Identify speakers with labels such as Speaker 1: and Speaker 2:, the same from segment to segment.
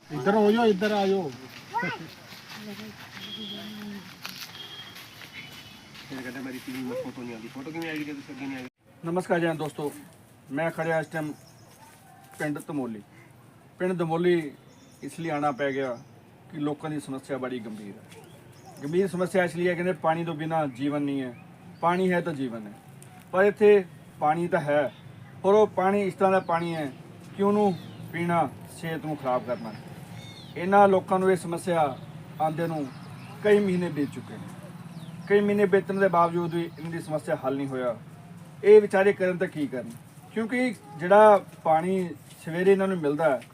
Speaker 1: इधर हो जाओ, इधर आ जाओ।
Speaker 2: नमस्कार जी दोस्तों, मैं खड़िया इस टाइम पिंड धमोली। पिंड धमोली इसलिए आना पै गया कि लोगों की समस्या बड़ी गंभीर है। गंभीर समस्या इसलिए है, कहते पानी तो बिना जीवन नहीं है, पानी है तो जीवन है। पर इत्थे पानी तो है, पर वो पानी इस तरह का पानी है कि उन्होंने पीना सेहत को खराब करना। इन्होंने लोगों को ये समस्या आंदे नूं कई महीने बीत चुके हैं। कई महीने बीतने के बावजूद भी इनकी समस्या हल नहीं होया। ये विचारे करन तो की करन, क्योंकि जिहड़ा पानी सवेरे इन्होंने मिलता है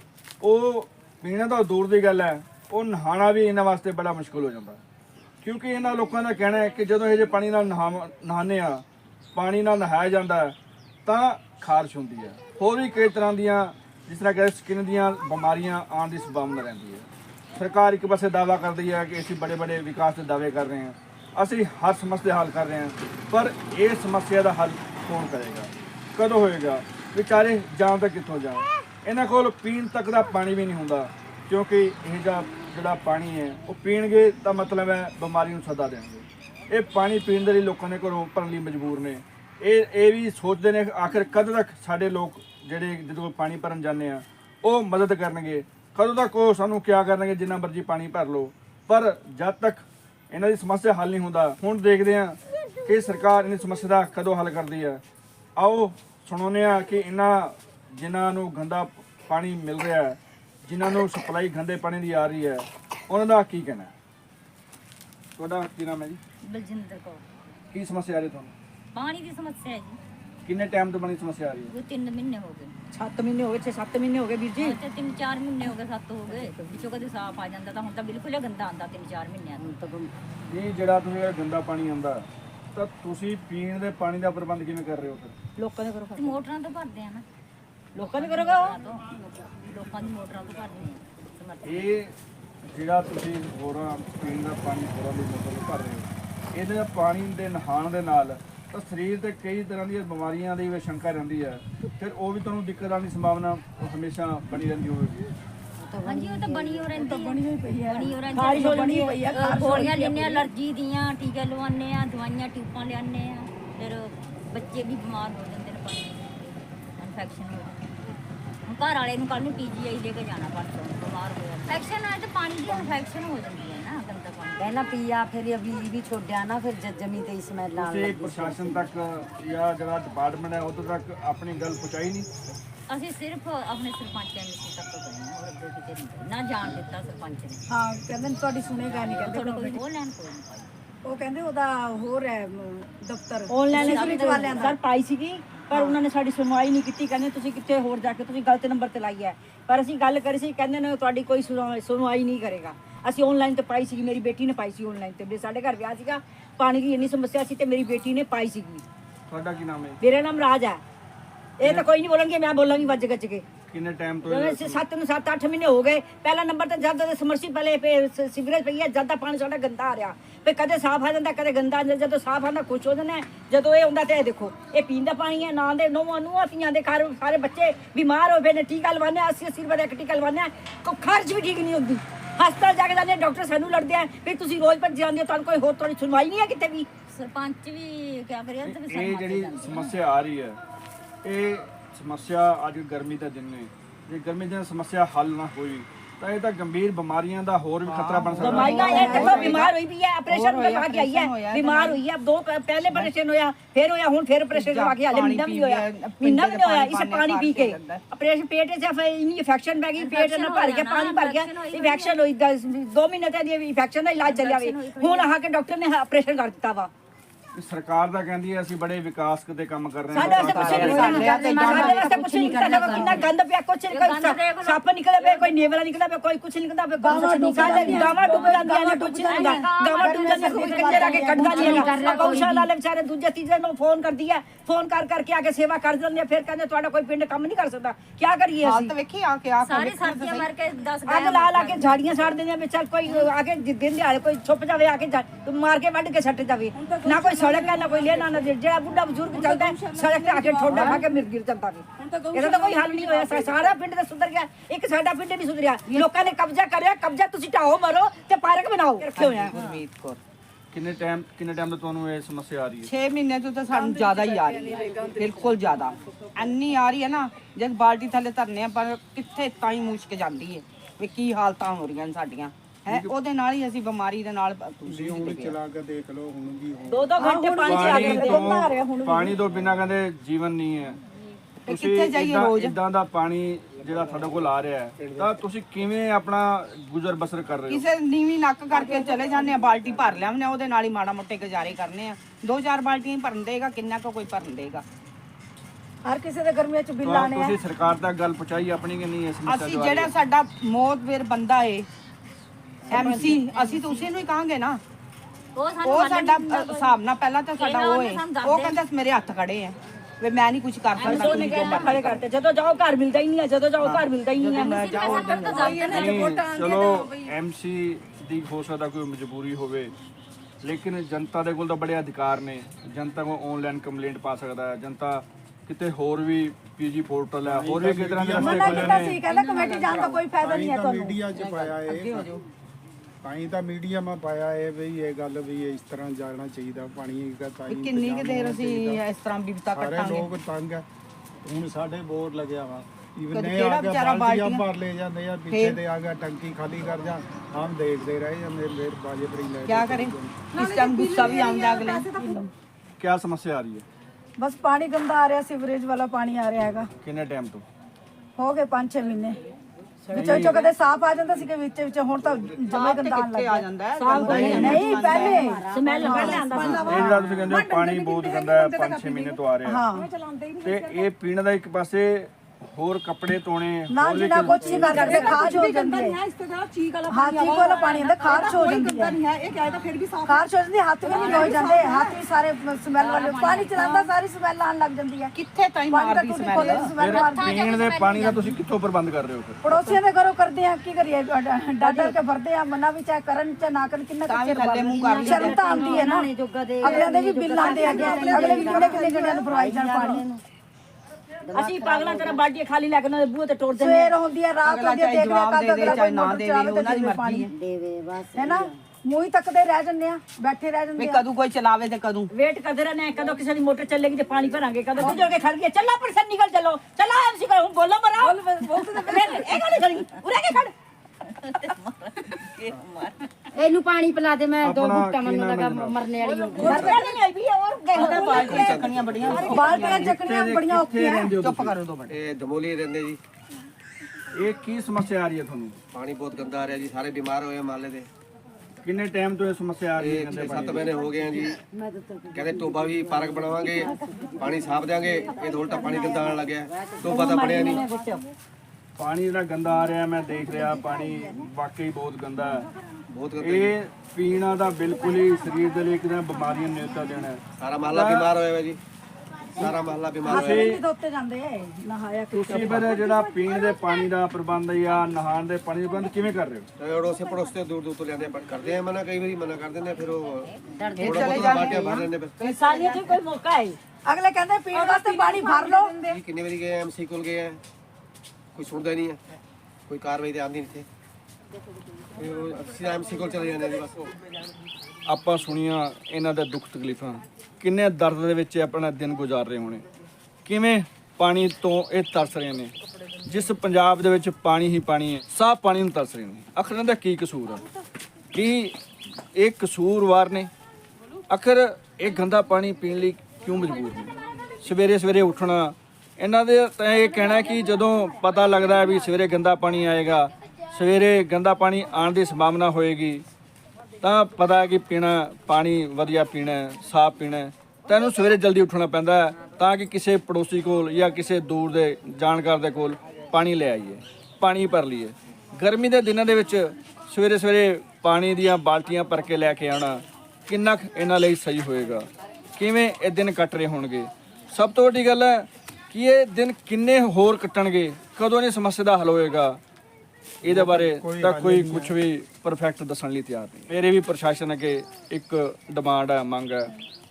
Speaker 2: वो पीना तो दूर की गल है, वो नहाना भी इन्होंने वास्ते बड़ा मुश्किल हो जाता है। क्योंकि इन्होंने लोगों का कहना है कि जो ये पानी नाल नहाने आ, पानी नाल नहाया जाता है तो खारिश होंदी है, होर भी कई तरह दियाँ जिस तरह कह स्किन दियाँ बीमारियां आने की संभावना रहती है। सरकार एक पासे दावा करती है कि असीं बड़े बड़े विकास के दावे कर रहे हैं, असीं हर समस्या हल कर रहे हैं, पर इस समस्या का हल कौन करेगा, कदों होएगा? बेचारे जान तो कितों जान, इन्हां कोल पीण तक का पानी भी नहीं होंदा। क्योंकि यह जिहड़ा पानी है वो पीणगे तो मतलब है बीमारी नूं सदा देणगे। ये पानी पीण दे लई लोकां ने घरों भरन लई मजबूर ने। ये भी सोचते हैं आखिर कद तक साडे लोग जिहड़े जो पानी भरन जाते हैं वो मदद करनगे, कदों तक वो सानूं क्या करनगे, जिन्ना मर्जी पानी भर लो। पर जब तक इन्हां दी समस्या हल नहीं होंदा, हुण देखदे हैं कि सरकार इन्हां समस्या दा कदों हल करदी है। आओ सुणाउने आ कि इन्हां जिन्हां नूं गंदा पानी मिल रहा है, जिन्हां नूं सप्लाई गंदे पानी की आ रही है, उन्हां दा की कहना है। तुहाडा की नाम है जी?
Speaker 3: बलजिंदर कौर।
Speaker 2: की समस्या आ रही तुहानूं?
Speaker 3: पानी की समस्या है जी।
Speaker 2: किन्ने टाइम तो बनी समस्या आ रही है?
Speaker 3: वो 3 महीने हो गए।
Speaker 4: 7 महीने हो गए, 6-7 महीने हो गए ਵੀਰ ਜੀ।
Speaker 3: ਤੇ 3-4 ਮਹੀਨੇ ਹੋ ਗਏ, 7 ਹੋ ਗਏ। ਵਿੱਚੋਂ ਕਦੇ ਸਾਫ਼ ਆ ਜਾਂਦਾ ਤਾਂ ਹੁਣ ਤਾਂ ਬਿਲਕੁਲ ਹੀ ਗੰਦਾ ਆਂਦਾ 3-4 ਮਹੀਨਿਆਂ ਤੋਂ।
Speaker 2: ਇਹ ਜਿਹੜਾ ਤੁਸੀਂ ਇਹ ਗੰਦਾ ਪਾਣੀ ਆਂਦਾ ਤਾਂ ਤੁਸੀਂ ਪੀਣ ਦੇ ਪਾਣੀ ਦਾ ਪ੍ਰਬੰਧ ਕਿਵੇਂ ਕਰ ਰਹੇ ਹੋ ਫਿਰ?
Speaker 4: ਲੋਕਾਂ ਦੇ ਕਰੋ
Speaker 3: ਤੇ ਮੋਟਰਾਂ ਤੋਂ ਭਰਦੇ ਆ ਨਾ,
Speaker 4: ਲੋਕਾਂ ਦੇ ਕਰੋਗਾ
Speaker 3: ਲੋਕਾਂ ਦੀ ਮੋਟਰਾਂ ਤੋਂ ਭਰਦੇ ਆ ਸਮਰਥ।
Speaker 2: ਇਹ ਜਿਹੜਾ ਤੁਸੀਂ ਹੋਰਾਂ ਪੀਣ ਦਾ ਪਾਣੀ ਹੋਰਾਂ ਦੀ ਮੋਟਰ ਤੋਂ ਭਰ ਰਹੇ ਹੋ, ਇਹਦੇ ਪਾਣੀ ਦੇ ਨਹਾਣ ਦੇ ਨਾਲ ਤਾਂ ਸਰੀਰ ਤੇ ਕਈ ਤਰ੍ਹਾਂ ਦੀਆਂ ਬਿਮਾਰੀਆਂ ਦੀ ਵੀ ਸ਼ੰਕਾ ਰਹਿੰਦੀ ਹੈ, ਫਿਰ ਉਹ ਵੀ ਤੁਹਾਨੂੰ ਦਿੱਕਤ ਆਉਣ ਦੀ ਸੰਭਾਵਨਾ ਹਮੇਸ਼ਾ ਬਣੀ ਰਹਿੰਦੀ ਹੋਵੇਗੀ।
Speaker 3: ਹਾਂਜੀ ਉਹ ਤਾਂ ਬਣੀ ਹੋ ਰਹਿੰਦੀ ਹੈ,
Speaker 4: ਬਣੀ ਹੋਈ ਪਈ ਹੈ,
Speaker 3: ਬਣੀ ਹੋ ਰਹਿੰਦੀ
Speaker 4: ਖਾਰਿਸ਼ ਹੋ ਜਾਂਦੀ ਪਈ ਹੈ, ਖਾਰਿਸ਼
Speaker 3: ਗੋਲੀਆਂ ਲੈਂਦੇ ਆ ਅਲਰਜੀ ਦੀਆਂ, ਟੀਕੇ ਲਵਾਉਂਦੇ ਆ, ਦਵਾਈਆਂ ਟਿਊਬਾਂ ਲਿਆਉਂਦੇ ਆ, ਫਿਰ ਬੱਚੇ ਵੀ ਬਿਮਾਰ ਹੋ ਜਾਂਦੇ ਨੇ, ਪਾਣੀ ਇਨਫੈਕਸ਼ਨ ਹੋ ਜਾਂਦੀ। ਹੁਣ ਘਰ ਵਾਲੇ ਨੂੰ ਕੱਲ ਨੂੰ PGI ਲੈ ਕੇ ਜਾਣਾ, ਪਰਸੋਂ ਬਿਮਾਰ ਹੋਇਆ ਇਨਫੈਕਸ਼ਨ ਆ, ਤੇ ਪਾਣੀ ਦੀ ਇਨਫੈਕਸ਼ਨ ਹੋ ਜਾਂਦੀ ਹੈ ਨਾ ਗੰਦਾ ਪਾਣੀ।
Speaker 4: ਪਹਿਲਾਂ ਪੀਆ, ਫਿਰ ਅਭੀ ਵੀ ਛੋੜਿਆ ਨਾ, ਫਿਰ ਜਮੀ ਤੇ ਸਮੈਲ ਆਉਣ
Speaker 2: ਤੁਸੀਂ
Speaker 4: ਲੱਗੀ।
Speaker 2: ਪ੍ਰਸ਼ਾਸਨ ਤੱਕ ਜਾਂ ਜਿਹੜਾ ਡਿਪਾਰਟਮੈਂਟ ਹੈ ਉਦੋਂ ਤੱਕ ਆਪਣੀ ਗੱਲ ਪਹੁੰਚਾਈ ਨਹੀਂ?
Speaker 3: ਅਸੀਂ ਸਿਰਫ ਆਪਣੇ ਸਰਪੰਚ ਐਮਸੀ ਤੱਕ ਗਏ ਹਾਂ, ਹੋਰ ਅੱਗੇ ਕਿਤੇ ਨਹੀਂ ਗਏ। ਨਾ ਜਾਣ ਦਿੱਤਾ ਸਰਪੰਚ ਨੇ।
Speaker 4: ਹਾਂ ਕਹਿੰਦੇ ਨੇ ਤੁਹਾਡੀ ਸੁਣੇਗਾ ਨਹੀਂ,
Speaker 3: ਤੁਹਾਡਾ ਕੋਈ ਉਹ ਲੈਣ ਕੋਈ ਨਹੀਂ ਪਾਈ।
Speaker 4: ਉਹ ਕਹਿੰਦੇ ਉਹਦਾ ਹੋਰ ਹੈ ਦਫ਼ਤਰ ਆਨਲਾਈਨ ਅਸੀਂ ਸਰ ਪਾਈ ਸੀਗੀ, ਪਰ ਉਹਨਾਂ ਨੇ ਸਾਡੀ ਸੁਣਵਾਈ ਨਹੀਂ ਕੀਤੀ। ਕਹਿੰਦੇ ਤੁਸੀਂ ਕਿੱਥੇ ਹੋਰ ਜਾ ਕੇ ਤੁਸੀਂ ਗਲਤ ਨੰਬਰ ਤੇ ਲਾਈ ਹੈ, ਪਰ ਅਸੀਂ ਗੱਲ ਕਰੀ ਸੀ, ਕਹਿੰਦੇ ਨੇ ਤੁਹਾਡੀ ਕੋਈ ਸੁਣਵਾਈ ਨਹੀਂ ਕਰੇਗਾ। ਅਸੀਂ ਆਨਲਾਈਨ ਤੇ ਪਾਈ ਸੀਗੀ, ਮੇਰੀ ਬੇਟੀ ਨੇ ਪਾਈ ਸੀ ਆਨਲਾਈਨ ਤੇ। ਵੀ ਸਾਡੇ ਘਰ ਵਿਆਹ ਸੀਗਾ, ਪਾਣੀ ਦੀ ਇੰਨੀ ਸਮੱਸਿਆ ਸੀ ਤੇ ਮੇਰੀ ਬੇਟੀ ਨੇ ਪਾਈ ਸੀਗੀ।
Speaker 2: ਤੁਹਾਡਾ ਕੀ ਨਾਮ ਹੈ?
Speaker 4: ਮੇਰਾ ਨਾਮ ਰਾਜ ਹੈ। ਇਹ ਤਾਂ ਕੋਈ ਨਹੀਂ ਬੋਲਣਗੇ, ਮੈਂ ਬੋਲਾਂਗੀ ਵੱਜ ਗੱਜ ਕੇ।
Speaker 2: ਕਿੰਨੇ ਟਾਈਮ ਤੋਂ
Speaker 4: 7-8 ਮਹੀਨੇ ਹੋ ਗਏ। ਪਹਿਲਾ ਨੰਬਰ ਤੇ ਜਦ ਸਮਰਸੀਬਲ ਪੇ ਸੀਵਰੇਜ ਪਈ ਹੈ, ਜਦ ਦਾ ਪਾਣੀ ਸਾਡਾ ਗੰਦਾ ਆ ਰਿਹਾ, ਤੇ ਕਦੇ ਸਾਫ਼ ਆ ਜਾਂਦਾ, ਕਦੇ ਗੰਦਾ ਆ ਜਾਂਦਾ। ਜਦੋਂ ਸਾਫ਼ ਆਉਂਦਾ ਖੁਸ਼ ਹੋ ਜਾਂਦਾ, ਜਦੋਂ ਇਹ ਹੁੰਦਾ ਤੇ ਇਹ ਦੇਖੋ ਇਹ ਪੀਣ ਦਾ ਪਾਣੀ ਹੈ ਨਾ, ਦੇ ਨੂੰਹਾਂ ਧੀਆਂ ਦੇ ਘਰ ਸਾਰੇ ਬੱਚੇ ਬਿਮਾਰ ਹੋਏ ਪਏ ਨੇ। ਟੀਕਾ ਲਵਾਉਂਦੇ 80-80 ਰੁਪਏ ਦਾ ਇੱਕ ਟੀਕਾ ਲਵਾਉਂਦੇ, ਕੋਈ ਖਰਚ ਵੀ ਠੀਕ ਨਹੀਂ ਹੁੰਦੀ। ਹਸਪਤਾਲ ਜਾ ਕੇ ਜਾਂਦੇ, ਡਾਕਟਰ ਸਾਨੂੰ ਲੜਦੇ ਆ ਵੀ ਤੁਸੀਂ ਰੋਜ਼ ਭੱਜ ਜਾਂਦੇ ਹੋ, ਤੁਹਾਨੂੰ ਕੋਈ ਹੋਰ ਤੁਹਾਡੀ ਸੁਣਵਾਈ ਨਹੀਂ ਹੈ ਕਿਤੇ ਵੀ।
Speaker 3: ਸਰਪੰਚ ਵੀ ਕਿਆ ਕਰਿਆ ਤੇ ਵੀ
Speaker 2: ਇਹ ਜਿਹੜੀ ਸਮੱਸਿਆ ਆ ਰਹੀ ਹੈ, ਇਹ ਸਮੱਸਿਆ ਅੱਜ ਗਰਮੀ ਦੇ ਦਿਨ ਨੇ, ਜੇ ਗਰਮੀ ਦੀ ਸਮੱਸਿਆ ਹੱਲ ਨਾ ਹੋਈ ਤਾਂ ਇਹ ਤਾਂ ਗੰਭੀਰ ਬਿਮਾਰੀਆਂ ਦਾ ਹੋਰ ਵੀ ਖਤਰਾ ਬਣ ਸਕਦਾ ਹੈ।
Speaker 4: ਇਹ ਦੇਖੋ ਬਿਮਾਰ ਹੋਈ ਵੀ ਹੈ, ਆਪਰੇਸ਼ਨ ਕਰਵਾ ਕੇ ਆਈ ਹੈ, ਬਿਮਾਰ ਹੋਈ ਹੈ। ਦੋ ਪਹਿਲੇ ਆਪਰੇਸ਼ਨ ਹੋਇਆ, ਫਿਰ ਹੋਇਆ, ਹੁਣ ਫਿਰ ਆਪਰੇਸ਼ਨ ਕਰਵਾ ਕੇ ਹਾਲੇ ਮਹੀਨਾ ਵੀ ਨਹੀਂ ਹੋਇਆ, ਮਹੀਨਾ ਵੀ ਨਹੀਂ ਹੋਇਆ। ਇਸ ਪਾਣੀ ਪੀ ਕੇ ਆਪਰੇਸ਼ਨ ਪੇਟ 'ਚ ਫਿਰ ਇੰਨੀ ਇਨਫੈਕਸ਼ਨ ਪੈ ਗਈ, ਪੇਟ ਨਾਲ ਭਰ ਗਿਆ, ਪਾਣੀ ਭਰ ਗਿਆ, ਇਨਫੈਕਸ਼ਨ ਹੋਈ। 2 ਮਹੀਨੇ ਤੱਕ ਦੀ ਇਨਫੈਕਸ਼ਨ ਦਾ ਇਲਾਜ ਚੱਲਿਆ ਵੇ। ਹੁਣ ਆ ਕੇ ਡਾਕਟਰ ਨੇ ਆਪਰੇਸ਼ਨ ਕਰ ਦਿੱਤਾ ਵਾ।
Speaker 2: ਸਰਕਾਰ ਦਾ ਕਹਿੰਦੀ ਹੈ ਅਸੀਂ ਬੜੇ ਵਿਕਾਸ ਦੇ ਕੰਮ ਕਰ ਰਹੇ ਹਾਂ।
Speaker 4: ਸਾਡੇ ਵਾਸਤੇ ਕੁਛ ਨਹੀਂ ਕਰਦਾ, ਸਾਡੇ ਵਾਸਤੇ ਕੁਛ ਨਹੀਂ ਕਰਦਾ। ਕਿੰਨਾ ਗੰਦ ਪਿਆ, ਕੁਛ ਨਹੀਂ ਕਰਦਾ। ਸੱਪ ਨਿਕਲੇ ਪਏ, ਕੋਈ ਨੇਵਲਾ ਨਿਕਲਦਾ ਪਿਆ, ਕੋਈ ਕੁਛ ਨਿਕਲਦਾ ਪਿਆ। ਗਾਵਾਂ ਡੁੱਬ ਜਾਂਦੀਆਂ ਨੇ, ਕੁਛ ਨਹੀਂ ਹੁੰਦਾ। ਗਾਵਾਂ ਡੁੱਬ ਜਾਂਦੀਆਂ, ਕੋਈ ਕੰਜੇ ਲਾ ਕੇ ਕੱਢਦਾ ਨਹੀਂ ਹੈਗਾ। ਗਊਸ਼ਾਲਾ ਵਾਲੇ ਵਿਚਾਰੇ ਦੂਜੇ ਤੀਜੇ ਨੂੰ ਫੋਨ ਕਰਦੀ ਹੈ, ਫੋਨ ਕਰ ਕਰਕੇ ਆ ਕੇ ਸੇਵਾ ਕਰ ਦਿੰਦੇ ਆ, ਫਿਰ ਕਹਿੰਦੇ ਤੁਹਾਡਾ ਕੋਈ ਪਿੰਡ ਕੰਮ ਨਹੀਂ ਕਰ ਸਕਦਾ। ਕੀ ਕਰੀਏ ਅਸੀਂ?
Speaker 5: ਵੇਖੀ ਆ ਕੇ
Speaker 3: ਸਾਰੇ ਸਰਦੀਆਂ ਮਾਰ ਕੇ 10
Speaker 4: ਅੱਗ ਲਾ ਲਾ ਕੇ ਝਾੜੀਆਂ ਛੱਡ ਦਿੰਦੇ ਆ, ਵੀ ਚੱਲ ਕੋਈ ਆ ਕੇ ਦਿਨ ਦਿਹਾੜੇ ਕੋਈ ਛੁੱਪ ਜਾਵੇ, ਆ ਕੇ ਮਾਰ ਕੇ ਵੱਢ ਕੇ ਸੱਟ ਜਾਵੇ। ਨਾ ਕੋਈ ਸੜਕ ਹੈ ਨਾ ਕੋਈ ਲੈਣਾ ਨਾ ਜਿਹੜਾ ਬੁੱਢਾ ਬਜ਼ੁਰਗ ਚੱਲਦਾ ਹੈ, ਸੜਕ ਤੇ ਆ ਕੇ ਠੋਡਾ ਖਾ ਕੇ ਮਿਰ ਗਿਰ ਜਾਂਦਾ ਵੀ ਇਹਦਾ ਤਾਂ ਕੋਈ ਹੱਲ ਨਹੀਂ ਹੋਇਆ। ਸਾਰਾ ਪਿੰਡ ਦਾ ਸੁਧਰ ਗਿਆ, ਇੱਕ ਸਾਡਾ ਪਿੰਡ ਨਹੀਂ ਸੁਧਰਿਆ। ਲੋਕਾਂ ਨੇ ਕਬਜ਼ਾ ਕਰਿਆ, ਕਬਜ਼ਾ ਤੁਸੀਂ ਢਾਓ ਮਰੋ ਤੇ ਪਾਰਕ ਬਣਾਓ ਰੱਖੇ ਹੋਇਆ।
Speaker 1: ਗੁਰਮੀਤ ਕੌਰ
Speaker 2: ਕਿੰਨੇ ਟਾਈਮ ਤੋਂ ਤੁਹਾਨੂੰ ਇਹ ਸਮੱਸਿਆ ਆ ਰਹੀ ਹੈ?
Speaker 1: 6 ਮਹੀਨੇ ਤੋਂ ਤਾਂ ਸਾਨੂੰ ਜ਼ਿਆਦਾ ਹੀ ਆ ਰਹੀ ਹੈ, ਬਿਲਕੁਲ ਜ਼ਿਆਦਾ ਇੰਨੀ ਆ ਰਹੀ ਹੈ ਨਾ, ਜਦ ਬਾਲਟੀ ਥੱਲੇ ਧਰਨੇ ਆ ਪਰ ਕਿੱਥੇ ਤਾਂ ਹੀ ਮੁਸ਼ਕ ਜਾਂਦੀ ਹੈ ਵੀ ਕੀ ਹਾਲਤਾਂ ਹੋ ਰਹੀਆਂ ਨੇ ਸਾਡੀਆਂ ਹੈ। ਉਹਦੇ ਨਾਲ ਹੀ ਅਸੀਂ ਬਿਮਾਰੀ ਦੇ ਨਾਲ
Speaker 5: ਤੁਸੀਂ ਹੁਣ ਚਲਾ ਕੇ ਦੇਖ ਲਓ, ਹੁਣ ਵੀ ਹੁਣ
Speaker 4: 2-2 ਘੰਟੇ ਪਾਣੀ ਚ ਆ ਗਏ।
Speaker 2: ਪਾਣੀ ਤੋਂ ਬਿਨਾਂ ਕਹਿੰਦੇ ਜੀਵਨ ਨਹੀਂ ਹੈ। ਤੁਸੀਂ
Speaker 1: ਕਿੱਥੇ ਜਾਈਏ ਰੋਜ਼?
Speaker 2: ਇਦਾਂ ਦਾ ਪਾਣੀ ਜਿਹੜਾ ਤੁਹਾਡੇ ਕੋਲ ਆ ਰਿਹਾ ਹੈ ਤਾਂ ਤੁਸੀਂ ਕਿਵੇਂ ਆਪਣਾ ਗੁਜ਼ਰ ਬਸਰ ਕਰ ਰਹੇ ਹੋ?
Speaker 1: ਕਿਸੇ ਨੀਵੀਂ ਨੱਕ ਕਰਕੇ ਚਲੇ ਜਾਂਦੇ ਆ, ਬਾਲਟੀ ਭਰ ਲਿਆਉਂਦੇ ਆ, ਉਹਦੇ ਨਾਲ ਹੀ ਮਾੜਾ ਮੋਟੇ ਗੁਜ਼ਾਰੇ ਕਰਨੇ ਆ। 2-4 ਬਾਲਟੀਆਂ ਹੀ ਭਰਨ ਦੇਗਾ, ਕਿੰਨਾ ਕੁ ਕੋਈ ਭਰਨ ਦੇਗਾ।
Speaker 4: ਹਰ ਕਿਸੇ ਦੇ ਗਰਮੀਆਂ ਚ ਬਿੱਲ
Speaker 2: ਤਾਂ ਤੁਸੀਂ ਸਰਕਾਰ ਤੱਕ ਗੱਲ ਪਹੁੰਚਾਈ ਆਪਣੀ ਕਿ ਨਹੀਂ? ਇਸ ਸਮੱਸਿਆ
Speaker 1: ਅਸੀਂ
Speaker 2: ਦੇ
Speaker 1: ਜਿਹੜਾ
Speaker 2: ਬਾਰੇ
Speaker 1: ਸਾਡਾ ਮੌਤਵੀਰ ਬੰਦਾ ਏ MC, ਅਸੀਂ ਤਾਂ ਉਸੇ ਨੂੰ ਹੀ ਕਹਾਂਗੇ ਨਾ। ਉਹ ਸਾਡਾ ਹਿਸਾਬ ਨਾਲ ਪਹਿਲਾਂ ਤਾਂ ਸਾਡਾ ਉਹ ਏ, ਉਹ ਕਹਿੰਦਾ ਮੇਰੇ ਹੱਥ ਖੜੇ ਆ ਵੀ ਮੈਂ ਨਹੀਂ ਕੁਝ ਕਰ ਸਕਦਾ।
Speaker 4: ਉਹਨੇ ਕਹਿਣਾ ਖੜੇ ਕਰਤੇ, ਜਦੋਂ ਜਾਓ ਘਰ ਮਿਲਦਾ ਹੀ ਨਹੀਂ ਹੈ, ਜਦੋਂ ਜਾਓ ਘਰ ਮਿਲਦਾ ਹੀ ਨਹੀਂ ਹੈ।
Speaker 2: ਨਹੀਂ, ਚਲੋ MC ਦੀ ਹੋ ਸਕਦਾ ਕੋਈ ਮਜਬੂਰੀ ਹੋਵੇ, ਲੇਕਿਨ ਜਨਤਾ ਦੇ ਕੋਲ ਤਾਂ ਬੜੇ ਅਧਿਕਾਰ ਨੇ। ਜਨਤਾ ਕੋਲ ਆਨਲਾਈਨ ਕੰਪਲੇਂਟ ਪਾ ਸਕਦਾ ਹੈ। ਜਨਤਾ ਕਿਤੇ ਹੋਰ ਵੀ PG ਪੋਰਟਲ ਹੈ, ਹੋਰ ਵੀ ਕਿਸ ਤਰ੍ਹਾਂ ਦੇ ਰਸਤੇ ਖੁੱਲੇ ਨੇ।
Speaker 4: ਕਹਿੰਦਾ ਕਮੇਟੀ ਜਾਣ ਦਾ ਕੋਈ ਫਾਇਦਾ ਨਹੀਂ ਹੈ ਤੁਹਾਨੂੰ।
Speaker 5: ਮੀਡੀਆ 'ਚ ਪਾਇਆ ਇਹ ਤਾਂ ਹੀ ਤਾਂ ਮੀਡੀਆ ਮੈਂ ਪਾਇਆ ਇਹ ਵੀ ਇਹ ਗੱਲ ਵੀ ਇਸ ਤਰ੍ਹਾਂ ਜਾਣਾ ਚਾਹੀਦਾ ਪਾਣੀ ਦਾ। ਤਾਂ ਹੀ
Speaker 1: ਕਿੰਨੀ ਕੁ ਦੇਰ ਅਸੀਂ ਇਸ ਤਰ੍ਹਾਂ ਬਿਪਤਾ
Speaker 5: ਸਾਰੇ
Speaker 1: ਕੱਟਾਂਗੇ।
Speaker 5: ਲੋਕ ਤੰਗ ਆ। ਹੁਣ ਸਾਡੇ ਬੋਰ ਲੱਗਿਆ ਵਾ ਇਵਨ
Speaker 1: ਕਦੇ
Speaker 5: ਨੇ
Speaker 1: ਕਿਹੜਾ
Speaker 5: ਆ ਕੇ
Speaker 1: ਵਿਚਾਰਾ
Speaker 5: ਬਾਲਟੀਆਂ
Speaker 1: ਬਾਲਟੀਆਂ
Speaker 5: ਭਰ ਲੈ ਜਾਂਦੇ ਆ, ਪਿੱਛੇ ਦੇ ਆ ਗਿਆ ਟੰਕੀ ਖਾਲੀ ਕਰ ਜਾ, ਹਮ ਦੇਖਦੇ ਰਹੇ ਜਾਂਦੇ ਫਿਰ ਬਾਜੇ ਪਰੀ ਲੈ
Speaker 1: क्या करें, इस टाइम गुस्सा भी आਉਂਦਾ ਅਗਲੇ।
Speaker 2: ਕੀ ਸਮੱਸਿਆ ਆ ਰਹੀ ਹੈ?
Speaker 6: ਬਸ ਪਾਣੀ ਗੰਦਾ ਆ ਰਿਹਾ, ਸੀਵਰੇਜ ਵਾਲਾ ਪਾਣੀ ਆ ਰਿਹਾ ਹੈਗਾ।
Speaker 2: ਕਿੰਨੇ ਟਾਈਮ ਤੋਂ?
Speaker 6: ਹੋ ਗਏ 5-6 ਮਹੀਨੇ। ਵਿੱਚੋਂ ਕਦੇ ਸਾਫ਼ ਆ ਜਾਂਦਾ ਸੀ ਕਿ ਵਿੱਚ ਹੁਣ ਤਾਂ ਜਮੇ ਗੰਦਾ ਆਉਣ ਲੱਗ
Speaker 1: ਆ
Speaker 6: ਗਿਆ।
Speaker 1: ਜਾਂਦਾ ਹੈ
Speaker 6: ਨਹੀਂ ਪਹਿਲੇ
Speaker 4: ਸਮੈਲ ਪਹਿਲੇ ਆਂਦਾ ਸੀ।
Speaker 2: ਇਹ ਜਿਹੜਾ ਤੁਸੀਂ ਕਹਿੰਦੇ ਹੋ ਪਾਣੀ ਬਹੁਤ ਗੰਦਾ ਹੈ, 5-6 ਮਹੀਨੇ ਤੋਂ ਆ ਰਿਹਾ ਹੈ, ਤੇ ਇਹ ਪੀਣ ਦਾ ਇੱਕ ਪਾਸੇ ਹੋਰ ਕੱਪੜੇ ਧੋਣੇ
Speaker 6: ਨਾ ਜੀ ਨਾ ਕੁਛ ਨਹੀਂ ਕਰਦੇ, ਖਾਰਸ਼ ਹੋ ਜਾਂਦੀ ਹੈ। ਹਾਂ ਚੀਕ ਵਾਲਾ ਪਾਣੀ ਹੁੰਦਾ, ਖਾਰਸ਼ ਹੋ ਜਾਂਦੀ ਹੈ। ਖਾਰਸ਼ ਹੋ ਜਾਂਦੀ ਹੈ, ਹੱਥ ਵੀ ਨਹੀਂ ਧੋਏ ਜਾਂਦੇ, ਹੱਥ ਵੀ ਸਾਰੇ ਸਮੈਲ ਵਾਲੇ। ਪਾਣੀ ਚਲਾਉਂਦਾ ਸਾਰੀ ਸਮੈਲ ਆਉਣ ਲੱਗ ਜਾਂਦੀ ਹੈ।
Speaker 1: ਕਿੱਥੇ ਤਾਈ
Speaker 6: ਪਾਣੀ ਤਾਂ
Speaker 1: ਮਾਰਦੀ
Speaker 6: ਟੂਟੀ
Speaker 1: ਸਮੈਲ।
Speaker 6: ਖੋਲ੍ਹੇ ਸਮੈਲ
Speaker 2: ਫਿਰ
Speaker 6: ਮਾਰਦੀ ਹੈ।
Speaker 2: ਪੀਣ ਦੇ ਪਾਣੀ ਦਾ ਤੁਸੀਂ ਕਿੱਥੋਂ ਪ੍ਰਬੰਧ ਕਰ ਰਹੇ ਹੋ ਫਿਰ?
Speaker 6: ਪੜੋਸੀਆਂ ਦੇ ਘਰੋਂ ਕਰਦੇ ਆ, ਕੀ ਕਰੀਏ, ਡਾਡਰ ਕੇ ਭਰਦੇ ਆ, ਮਨਾ ਵੀ ਚਾਹੇ ਕਰਨ ਚਾਹੇ ਨਾ ਕਰਨ, ਕਿੰਨਾ
Speaker 1: ਤਾਂ ਵੀ ਥੱਲੇ ਮੂੰਹ ਕਰ ਲਈ
Speaker 6: ਸ਼ਰਮ ਤਾਂ ਆਉਂਦੀ ਹੈ ਨਾ। ਅਗਲੇ ਦੇ ਵੀ ਬਿੱਲ ਆਉਂਦੇ ਹੈਗੇ, ਅਗਲੇ ਵੀ ਕਿੰਨੇ ਕਿੰਨੇ ਘੰਟਿਆਂ ਨੂੰ ਭਰਵਾਈ ਜਾਣ ਪਾਣੀ।
Speaker 4: ਅਸੀਂ ਪਾਗਲਾਂ ਤਰ੍ਹਾਂ ਬਾਲਟੀਆਂ ਖਾਲੀ ਲੈ ਕੇ ਉਹਨਾਂ ਦੇ ਬੂਹੇ ਤੇ ਟੋੜ ਦਿੰਦੇ
Speaker 6: ਸਵੇਰ ਹੁੰਦੀ ਹੈ, ਰਾਤ ਹੁੰਦੀ ਹੈ, ਦੇਖਦੇ ਆ ਕਦ ਅਗਲਾ
Speaker 1: ਚਾਹੇ
Speaker 6: ਕੋਈ
Speaker 1: ਨਾ
Speaker 6: ਮੋਟਰ
Speaker 1: ਦੇਵੇ,
Speaker 6: ਚਲਾਵੇ
Speaker 1: ਉਹਨਾਂ ਦੀ
Speaker 6: ਤੇ
Speaker 1: ਮਰਜ਼ੀ ਹੈ।
Speaker 4: ਦੇਵੇ ਬਸ
Speaker 6: ਹੈ ਨਾ। ਮੂੰਹ ਹੀ ਤੱਕਦੇ ਰਹਿ ਜੰਨੇ ਆ, ਬੈਠੇ ਰਹਿ
Speaker 1: ਵੀ
Speaker 6: ਜਾਂਦੇ ਆ।
Speaker 1: ਕਦੋਂ ਕੋਈ ਚਲਾਵੇ ਤੇ ਕਦੋਂ
Speaker 4: ਵੇਟ ਕਰਦੇ ਰਹਿੰਦੇ ਆ, ਕਦੋਂ ਕਿਸੇ ਦੀ ਮੋਟਰ ਚੱਲੇਗੀ ਤੇ ਪਾਣੀ ਭਰਾਂਗੇ, ਕਦੋਂ ਤੂੰ ਜੋ ਕੇ ਖੜ ਗਈ ਚੱਲਾ ਪਰ ਸੇ ਨਿਕਲ ਚਲੋ ਚੱਲਾ MC ਕੋਲ ਹੁਣ ਬੋਲੋ ਮਰਾ ਇਹ ਗੱਲ ਖੜੀ ਉਰੇ ਕੇ ਖੜ।
Speaker 3: ਇਹਨੂੰ ਪਾਣੀ ਪਿਲਾ ਦੇ, ਮੈਂ
Speaker 2: ਆਪਣਾ ਕੀ ਨਾਮ ਹੈ?
Speaker 3: ਮਰਨੇ ਵਾਲੀ ਹੋ ਗਈ।
Speaker 4: ਮਰਨੇ ਨਹੀਂ ਆਈ ਵੀ ਹੋਰ
Speaker 1: ਉਹਦਾ ਬਾਲਟੀਆਂ ਚੱਕਣੀਆਂ ਬੜੀਆਂ
Speaker 6: ਬਾਲਟੀਆਂ ਚੱਕਣੀਆਂ ਬੜੀਆਂ ਔਖੀਆਂ।
Speaker 2: ਰਹਿੰਦੇ ਹੋ
Speaker 1: ਚੁੱਪ ਕਰੋ 2 ਮਿੰਟ।
Speaker 7: ਇਹ ਦਮੋਲੀ ਰਹਿੰਦੇ ਜੀ।
Speaker 2: ਇਹ ਕੀ ਸਮੱਸਿਆ ਆ ਰਹੀ ਹੈ ਤੁਹਾਨੂੰ?
Speaker 7: ਪਾਣੀ ਬਹੁਤ ਗੰਦਾ ਆ ਰਿਹਾ ਜੀ, ਸਾਰੇ ਬਿਮਾਰ ਹੋਏ ਆ ਮਾਲੇ ਦੇ।
Speaker 2: ਕਿੰਨੇ ਟਾਈਮ ਤੋਂ ਇਹ ਸਮੱਸਿਆ ਆ ਰਹੀ ਹੈ?
Speaker 7: ਇਹ 6-7 ਮਹੀਨੇ ਹੋ ਗਏ ਆ ਜੀ। ਕਹਿੰਦੇ ਟੋਬਾ ਵੀ ਪਾਰਕ ਬਣਾਵਾਂਗੇ, ਪਾਣੀ ਸਾਫ਼ ਦਿਆਂਗੇ, ਇਹ ਉਲਟਾ ਪਾਣੀ ਗੰਦਾ ਆਉਣ ਲੱਗਿਆ। ਟੋਬਾ ਤਾਂ ਬਣਿਆ ਨਹੀਂ।
Speaker 2: ਪਾਣੀ ਜਿਹੜਾ ਗੰਦਾ ਆ ਰਿਹਾ, ਮੈਂ ਦੇਖ ਰਿਹਾ, ਪਾਣੀ ਵਾਕਈ ਬਹੁਤ ਗੰਦਾ ਹੈ।
Speaker 7: ਬਹੁਤ ਗੰਦਾ।
Speaker 2: ਇਹ ਪੀਣਾ ਦਾ ਬਿਲਕੁਲ ਹੀ ਸਰੀਰ ਦੇ ਲਈ ਇੱਕ ਤਰ੍ਹਾਂ ਬਿਮਾਰੀਆਂ ਨੂੰ ਨੇਤਾ ਦੇਣਾ ਹੈ।
Speaker 7: ਸਾਰਾ ਮਹੱਲਾ ਬਿਮਾਰ ਹੋਇਆ ਹੋਇਆ ਜੀ, ਸਾਰਾ ਮਹੱਲਾ ਬਿਮਾਰ ਹੋਇਆ।
Speaker 6: ਨਹੀਂ ਧੋਤੇ ਜਾਂਦੇ ਨਹਾਇਆ ਕਿ
Speaker 2: ਤੁਸੀਂ ਫਿਰ ਜਿਹੜਾ ਪੀਣ ਦੇ ਪਾਣੀ ਦਾ ਪ੍ਰਬੰਧ ਜਾਂ ਨਹਾਉਣ ਦੇ ਪਾਣੀ ਦਾ ਪ੍ਰਬੰਧ ਕਿਵੇਂ ਕਰ ਰਹੇ ਹੋ?
Speaker 7: ਤੇ ਅੜੋਸੇ ਪੜੋਸੇ ਦੂਰ ਦੂਰ ਤੋਂ ਲਿਆਂਦੇ ਕਰਦੇ ਆ ਮਨਾ, ਕਈ ਵਾਰੀ ਮਨਾ ਕਰ ਦਿੰਦੇ ਆ, ਫਿਰ ਉਹ
Speaker 1: ਇਹ
Speaker 7: ਥੋੜਾ
Speaker 1: ਚਲੇ
Speaker 7: ਬਹੁਤ ਬਾਟੀਆਂ ਭਰ ਲੈਂਦੇ ਫਿਰ।
Speaker 4: ਇਨਸਾਨੀਅਤ ਕੋਈ ਮੌਕਾ ਹੈ।
Speaker 6: ਅਗਲੇ ਕਹਿੰਦੇ ਪੀਣ ਵਾਸਤੇ ਪਾਣੀ ਭਰ ਲਓ।
Speaker 7: ਜੀ ਕਿੰਨੇ ਵਾਰੀ ਗਏ MC ਕੋਲ ਗਏ ਆ, ਕੋਈ ਸੁਣਦਾ ਹੀ ਨਹੀਂ ਹੈ, ਕੋਈ ਕਾਰਵਾਈ ਤੇ ਆਉਂਦੀ ਨਹੀਂ ਇੱਥੇ। ਫਿਰ ਉਹ ਅਸੀਂ MC ਕੋਲ ਚਲੇ ਜਾਂਦੇ ਜੀ ਬਸ।
Speaker 2: ਆਪਾਂ ਸੁਣੀਆਂ ਇਹਨਾਂ ਦੇ ਦੁੱਖ ਤਕਲੀਫਾਂ, ਕਿੰਨੇ ਦਰਦ ਦੇ ਵਿੱਚ ਆਪਣਾ ਦਿਨ ਗੁਜ਼ਾਰ ਰਹੇ ਹੋਣੇ, ਕਿਵੇਂ ਪਾਣੀ ਤੋਂ ਇਹ ਤਰਸ ਰਹੇ ਨੇ। ਜਿਸ ਪੰਜਾਬ ਦੇ ਵਿੱਚ ਪਾਣੀ ਹੀ ਪਾਣੀ ਹੈ, ਸਾਫ਼ ਪਾਣੀ ਨੂੰ ਤਰਸ ਰਹੇ ਨੇ। ਆਖਰ ਇਹਨਾਂ ਦਾ ਕੀ ਕਸੂਰ ਆ? ਕੀ ਇਹ ਕਸੂਰਵਾਰ ਨੇ? ਆਖਰ ਇਹ ਗੰਦਾ ਪਾਣੀ ਪੀਣ ਲਈ ਕਿਉਂ ਮਜਬੂਰ ਨੇ? ਸਵੇਰੇ ਸਵੇਰੇ ਉੱਠਣਾ, ਇਹਨਾਂ ਦੇ ਤਾਂ ਇਹ ਕਹਿਣਾ ਕਿ ਜਦੋਂ ਪਤਾ ਲੱਗਦਾ ਹੈ ਵੀ ਸਵੇਰੇ ਗੰਦਾ ਪਾਣੀ ਆਏਗਾ, ਸਵੇਰੇ ਗੰਦਾ ਪਾਣੀ ਆਉਣ ਦੀ ਸੰਭਾਵਨਾ ਹੋਏਗੀ, ਤਾਂ ਪਤਾ ਹੈ ਕਿ ਪੀਣਾ ਪਾਣੀ ਵਧੀਆ ਪੀਣਾ ਹੈ, ਸਾਫ਼ ਪੀਣਾ ਹੈ, ਤਾਂ ਇਹਨੂੰ ਸਵੇਰੇ ਜਲਦੀ ਉੱਠਣਾ ਪੈਂਦਾ ਹੈ ਤਾਂ ਕਿ ਕਿਸੇ ਪੜੋਸੀ ਕੋਲ ਜਾਂ ਕਿਸੇ ਦੂਰ ਦੇ ਜਾਣਕਾਰ ਦੇ ਕੋਲ ਪਾਣੀ ਲੈ ਆਈਏ, ਪਾਣੀ ਭਰ ਲਈਏ। ਗਰਮੀ ਦੇ ਦਿਨਾਂ ਦੇ ਵਿੱਚ ਸਵੇਰੇ ਸਵੇਰੇ ਪਾਣੀ ਦੀਆਂ ਬਾਲਟੀਆਂ ਭਰ ਕੇ ਲੈ ਕੇ ਆਉਣਾ ਕਿੰਨਾ ਕੁ ਇਹਨਾਂ ਲਈ ਸਹੀ ਹੋਏਗਾ? ਕਿਵੇਂ ਇਹ ਦਿਨ ਕੱਟ ਰਹੇ ਹੋਣਗੇ? ਸਭ ਤੋਂ ਵੱਡੀ ਗੱਲ ਹੈ ਕਿ ਇਹ ਦਿਨ ਕਿੰਨੇ ਹੋਰ ਕੱਟਣਗੇ, ਕਦੋਂ ਇਹ ਸਮੱਸਿਆ ਦਾ ਹੱਲ ਹੋਏਗਾ? ਇਹਦੇ ਬਾਰੇ ਤਾਂ ਕੋਈ ਕੁਝ ਵੀ ਪਰਫੈਕਟ ਦੱਸਣ ਲਈ ਤਿਆਰ ਨਹੀਂ। ਮੇਰੇ ਵੀ ਪ੍ਰਸ਼ਾਸਨ ਅੱਗੇ ਇੱਕ ਡਿਮਾਂਡ ਹੈ, ਮੰਗ ਹੈ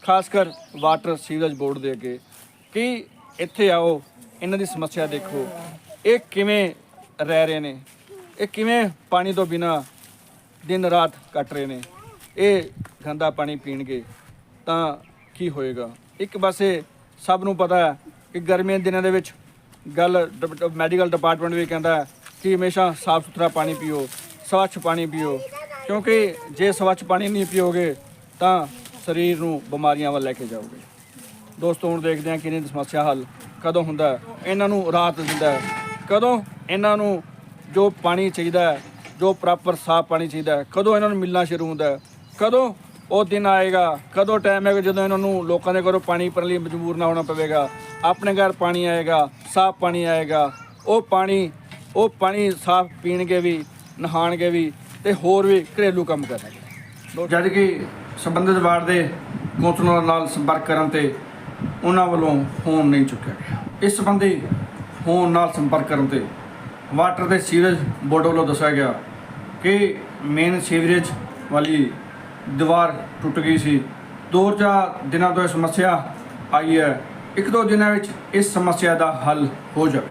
Speaker 2: ਖਾਸ ਕਰ ਵਾਟਰ ਸੀਵਰੇਜ ਬੋਰਡ ਦੇ ਅੱਗੇ ਕਿ ਇੱਥੇ ਆਓ, ਇਹਨਾਂ ਦੀ ਸਮੱਸਿਆ ਦੇਖੋ, ਇਹ ਕਿਵੇਂ ਰਹਿ ਰਹੇ ਨੇ, ਇਹ ਕਿਵੇਂ ਪਾਣੀ ਤੋਂ ਬਿਨਾਂ ਦਿਨ ਰਾਤ ਕੱਟ ਰਹੇ ਨੇ। ਇਹ ਗੰਦਾ ਪਾਣੀ ਪੀਣਗੇ ਤਾਂ ਕੀ ਹੋਏਗਾ। ਇੱਕ ਪਾਸੇ ਸਭ ਨੂੰ ਪਤਾ ਹੈ ਕਿ ਗਰਮੀਆਂ ਦੇ ਦਿਨਾਂ ਦੇ ਵਿੱਚ ਮੈਡੀਕਲ ਡਿਪਾਰਟਮੈਂਟ ਵੀ ਕਹਿੰਦਾ ਹੈ ਕਿ ਹਮੇਸ਼ਾ ਸਾਫ਼ ਸੁਥਰਾ ਪਾਣੀ ਪੀਓ, ਸਵੱਛ ਪਾਣੀ ਪੀਓ, ਕਿਉਂਕਿ ਜੇ ਸਵੱਛ ਪਾਣੀ ਨਹੀਂ ਪੀਓਗੇ ਤਾਂ ਸਰੀਰ ਨੂੰ ਬਿਮਾਰੀਆਂ ਵੱਲ ਲੈ ਕੇ ਜਾਓਗੇ। ਦੋਸਤੋ ਹੁਣ ਦੇਖਦੇ ਹਾਂ ਕਿ ਇਹਨਾਂ ਦੀ ਸਮੱਸਿਆ ਹੱਲ ਕਦੋਂ ਹੁੰਦਾ ਹੈ, ਇਹਨਾਂ ਨੂੰ ਰਾਹਤ ਦਿੰਦਾ ਹੈ, ਕਦੋਂ ਇਹਨਾਂ ਨੂੰ ਜੋ ਪਾਣੀ ਚਾਹੀਦਾ ਹੈ, ਜੋ ਪ੍ਰੋਪਰ ਸਾਫ਼ ਪਾਣੀ ਚਾਹੀਦਾ ਹੈ, ਕਦੋਂ ਇਹਨਾਂ ਨੂੰ ਮਿਲਣਾ ਸ਼ੁਰੂ ਹੁੰਦਾ ਹੈ, ਕਦੋਂ ਉਹ ਦਿਨ ਆਏਗਾ, ਕਦੋਂ ਟਾਈਮ ਆਏਗਾ ਜਦੋਂ ਇਹਨਾਂ ਨੂੰ ਲੋਕਾਂ ਦੇ ਘਰੋਂ ਪਾਣੀ ਭਰਨ ਲਈ ਮਜਬੂਰ ਨਾ ਹੋਣਾ ਪਵੇਗਾ। ਆਪਣੇ ਘਰ ਪਾਣੀ ਆਏਗਾ, ਸਾਫ਼ ਪਾਣੀ ਆਏਗਾ, ਉਹ ਪਾਣੀ ਸਾਫ਼ ਪੀਣਗੇ ਵੀ, ਨਹਾਣਗੇ ਵੀ ਤੇ ਹੋਰ ਵੀ ਘਰੇਲੂ ਕੰਮ ਕਰਨਗੇ। ਜਦ ਕਿ ਸੰਬੰਧਿਤ ਵਾਰਡ ਦੇ ਕੌਂਸਲਰ ਨਾਲ ਸੰਪਰਕ ਕਰਨ ਤੇ ਉਹਨਾਂ ਵੱਲੋਂ ਫੋਨ ਨਹੀਂ ਚੁੱਕਿਆ ਗਿਆ। ਇਸ ਸੰਬੰਧੀ ਫੋਨ ਨਾਲ ਸੰਪਰਕ ਕਰਨ ਤੇ ਵਾਟਰ ਤੇ ਸੀਵਰੇਜ ਬੋਰਡ ਵੱਲੋਂ ਦੱਸਿਆ ਗਿਆ ਕਿ ਮੇਨ ਸੀਵਰੇਜ ਵਾਲੀ ਦੀਵਾਰ ਟੁੱਟ ਗਈ ਸੀ। 2-4 ਦਿਨਾਂ ਤੋਂ ਇਹ ਸਮੱਸਿਆ ਆਈ ਹੈ, 1-2 ਦਿਨਾਂ ਵਿੱਚ ਇਸ ਸਮੱਸਿਆ ਦਾ ਹੱਲ ਹੋ ਜਾਵੇ।